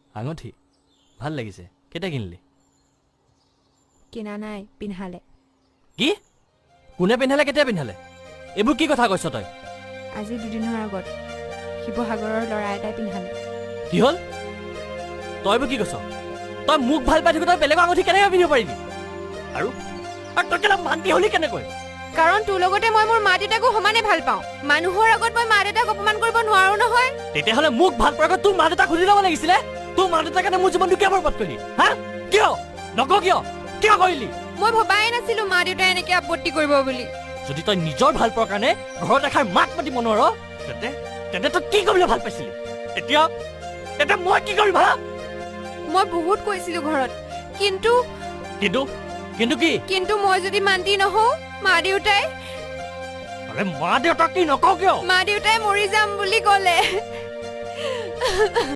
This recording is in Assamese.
আঙঠি ভাল লাগিছে কেতিয়া কিনিলি কিনা নাই পিন্ধালে কি কোনে পিন্ধালে কেতিয়া পিন্ধালে এইবোৰ কি কথা কৈছ তই আজি দুদিনৰ আগত শিৱসাগৰৰ ল'ৰা এটাই পিন্ধালে কি হ'ল তই এইবোৰ কি কৈছ তই মোক ভাল পাই থাকো তই বেলেগৰ আঙঠি কেনেকৈ পিন্ধিব পাৰিবি আৰু তই কেলা মান্তি হলি কেনেকৈ কাৰণ তোৰ লগতে মই মোৰ মা দেউতাকো সমানে ভাল পাওঁ মানুহৰ আগত মই মা দেউতাক অপমান কৰিব নোৱাৰো নহয় তেতিয়াহ'লে মোক ভাল পোৱাৰ আগত তোৰ মা দেউতাক সুধি ল'ব লাগিছিলে তোৰ মা দেউতাৰ কাৰণে মোৰ জীৱনটো কিয় বৰবাদ কৰিলি হা কিয় নকওঁ কিয় কৰিলি মই ভবাই নাছিলো মা দেউতাই এনেকে আপত্তি কৰিব বুলি যদি তই নিজৰ ভাল পোৱাৰ কাৰণে ঘৰত এষাৰ মাত মাতিব নোৱাৰ তেন্তে তই কি কৰিবলৈ ভাল পাইছিলি এতিয়া মই কি কৰিম হা মই বহুত কৈছিলো ঘৰত কিন্তু কি কিন্তু মই যদি মান্তি নহওঁ মা দেউতাই মা দেউতাক কি নকওঁ কিয় মা দেউতাই মৰি যাম বুলি ক'লে